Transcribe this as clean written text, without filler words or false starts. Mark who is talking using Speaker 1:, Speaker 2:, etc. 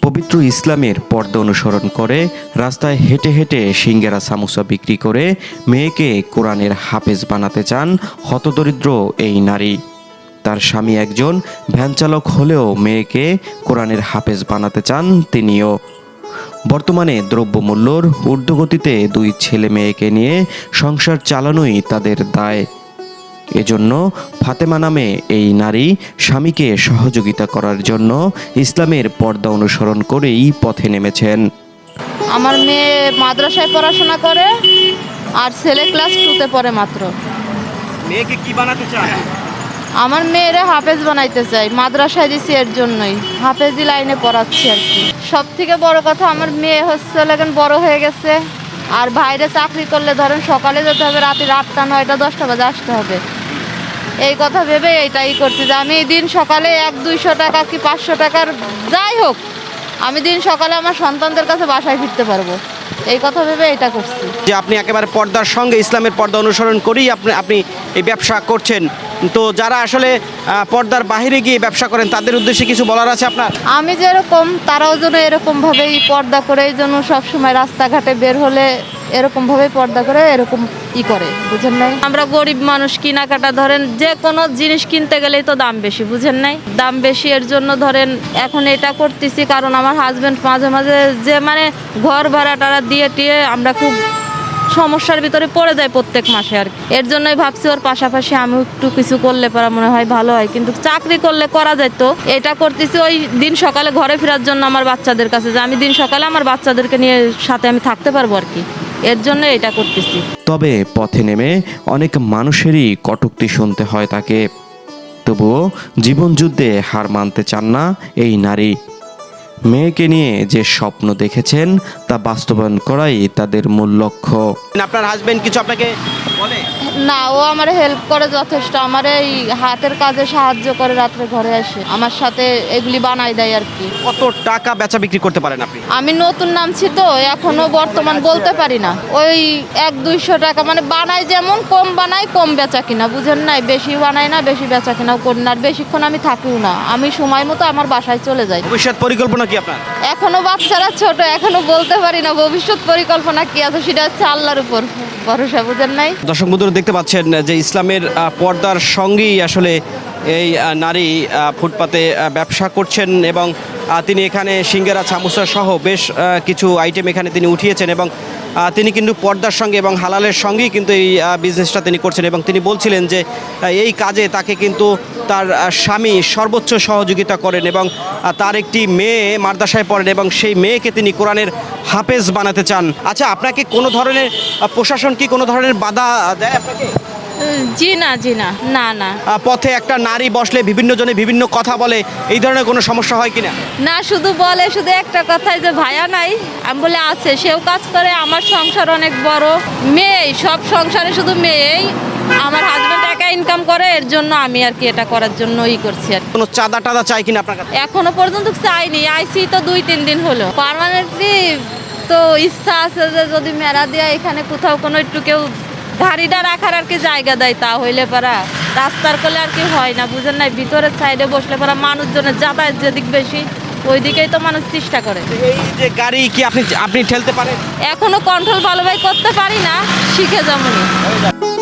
Speaker 1: পবিত্র ইসলামের পর্দা অনুসরণ করে রাস্তায় হেঁটে হেঁটে সিঙ্গারা সামোসা বিক্রি করে মেয়েকে কোরআনের হাফেজ বানাতে চান হতদরিদ্র এই নারী। তার স্বামী একজন ভ্যান চালক হলেও মেয়েকে কোরআনের হাফেজ বানাতে চান তিনিও। বর্তমানে দ্রব্যমূল্যর ঊর্ধ্বগতিতে দুই ছেলে মেয়েকে নিয়ে সংসার চালানোই তাদের দায়। এজন্য ফাতেমা নামে এই নারী স্বামীকে সহযোগিতা করার জন্য ইসলামের পর্দা অনুসরণ করেই পথে নেমেছেন।
Speaker 2: আমার মেয়ে মাদ্রাসায় পড়াশোনা করে আর ছেলে ক্লাস 2-তে পড়ে মাত্র।
Speaker 1: মেয়েকে কি বানাতে চান?
Speaker 2: আমার মেয়েরে হাফেজ বানাইতে চাই, মাদ্রাসায় দিছি এর জন্যই, হাফেজি লাইনে পড়াচ্ছি আর কি। সব থেকে বড় কথা আমার মেয়ে হচ্ছে এখন বড় হয়ে গেছে, আর বাইরে চাকরি করলে ধরেন সকালে যেতে হবে, রাতে 8টা 9টা 10টা বাজে আসতে হবে। এই কথা ভেবে এইটাই করছি যে আমি দিন সকালে 100-200 টাকা কি 500 টাকার যাই হোক, আমি দিন সকালে আমার সন্তানদের কাছে বাসায় ফিরতে পারবো, এই কথা ভেবে এটা করছি।
Speaker 3: যে আপনি একেবারে পর্দার সঙ্গে ইসলামের পর্দা অনুসরণ করেই আপনি এই ব্যবসা করছেন, তো যারা আসলে পর্দার বাইরে গিয়ে ব্যবসা করেন তাদের উদ্দেশ্যে কিছু বলার আছে আপনার?
Speaker 2: আমি যেরকম তারাও যেন এরকমভাবেই পর্দা করে, এই জন্য সবসময় রাস্তাঘাটে বের হলে এরকমভাবেই পর্দা করে এরকম করে, বুঝেন নাই? আমরা গরিব মানুষ, কেনাকাটা ধরেন যে কোনো জিনিস কিনতে গেলেই তো দাম বেশি, বুঝেন নাই? দাম বেশি, এর জন্য ধরেন এখন এটা করতেছি কারণ আমার হাজব্যান্ড মাঝে মাঝে যে ঘর ভাড়া টাড়া দিয়ে আমরা খুব সমস্যার ভিতরে পড়ে যায় প্রত্যেক মাসে আর কি। এর জন্যই ভাবছি ওর পাশাপাশি আমি একটু কিছু করলে পারা মনে হয় ভালো হয়, কিন্তু চাকরি করলে করা যায় তো। এটা করতেছি ওই দিন সকালে ঘরে ফেরার জন্য আমার বাচ্চাদের কাছে, যে আমি দিন সকালে আমার বাচ্চাদেরকে নিয়ে সাথে আমি থাকতে পারবো আর কি, এর জন্য এটা করতেছি।
Speaker 1: তবে পথে নেমে অনেক মানুষেরই কটূক্তি শুনতে হয় তাকে। তবুও জীবনযুদ্ধে হার মানতে চান না এই নারী। মেয়েকে নিয়ে যে স্বপ্ন দেখেছেন তা বাস্তবায়ন করাই তাদের মূল লক্ষ্য।
Speaker 3: আপনার হাজবেন্ড কিছু আপনাকে বলে?
Speaker 2: না, ও আমার হেল্প করে যথেষ্ট, আমার এই হাতের কাজে সাহায্য করে, রাত্রে ঘরে আসে আমার সাথে এগুলি বানাই দেয় আর কি।
Speaker 3: কত টাকা বেচা বিক্রি করতে পারেন আপনি?
Speaker 2: আমি নতুন নামছি তো এখনো বর্তমান বলতে পারি না, ওই 100-200 টাকা বানাই, যেমন কম বানাই কম বেচা কিনা, বুঝেন নাই? বেশি বানাই না, বেশি বেচা কিনাও করি না, আর বেশিক্ষণ আমি থাকিও না, আমি সময় মতো আমার বাসায় চলে যাই।
Speaker 3: ভবিষ্যৎ পরিকল্পনা কি আপনার?
Speaker 2: এখনো বাচ্চারা ছোট, এখনো বলতে পারি না ভবিষ্যৎ পরিকল্পনা কি আছে, সেটা হচ্ছে আল্লাহর উপর ভরসা, বুঝেন নাই?
Speaker 3: দর্শক বন্ধুরা দেখতে পাচ্ছেন যে ইসলামের পর্দার সঙ্গেই আসলে এই নারী ফুটপাতে ব্যবসা করছেন, এবং তিনি এখানে সিঙ্গারা সামোসা সহ বেশ কিছু আইটেম এখানে তিনি উঠিয়েছেন, এবং তিনি কিন্তু পর্দার সঙ্গে এবং হালালের সঙ্গেই কিন্তু এই বিজনেসটা তিনি করছেন। এবং তিনি বলছিলেন যে এই কাজে তাকে কিন্তু তার স্বামী সর্বোচ্চ সহযোগিতা করেন, এবং তার একটি মেয়ে মাদ্রাসায় পড়েন এবং সেই মেয়েকে তিনি কোরআনের হাফেজ বানাতে চান। আচ্ছা, আপনাকে কোনো ধরনের প্রশাসন কি কোনো ধরনের বাধা দেয় আপনাকে?
Speaker 2: জি না, না না।
Speaker 3: পথে একটা নারী বসলে বিভিন্ন জনে বিভিন্ন কথা বলে, এই ধরনের কোনো সমস্যা হয় কিনা?
Speaker 2: না, শুধু বলে শুধু একটা কথাই যে ভাইয়া নাই, আমি বলে আছে, সেও কাজ করে, আমার সংসার অনেক বড়, মেয়েই সব সংসারে, শুধু মেয়েই, আমার হাজবেন্ড একা ইনকাম করে, এর জন্য আমি আর কি এটা করার জন্য করছি আর।
Speaker 3: কোনো চাঁদা টাদা চাই কিনা আপনার কাছে?
Speaker 2: এখনো পর্যন্ত চাইনি, আইসি তো 2-3 দিন হলো। পার্মানেন্টলি তো ইচ্ছা আছে যে যদি মেলা দেয়া এখানে কোথাও কোনো একটু কেউ গাড়িটা রাখার আর কি জায়গা দেয়, তা হইলে পারা রাস্তার কোলে আর কি হয় না, বুঝেন নাই? ভিতরের সাইডে বসলে পারা মানুষজনের যাতায়াত যেদিক বেশি ওই দিকেই তো মানুষ চেষ্টা করে।
Speaker 3: এই যে গাড়ি কি আপনি ঠেলতে পারেন?
Speaker 2: এখনো কন্ট্রোল ভালোভাবে করতে পারি না, শিখে যাবনি।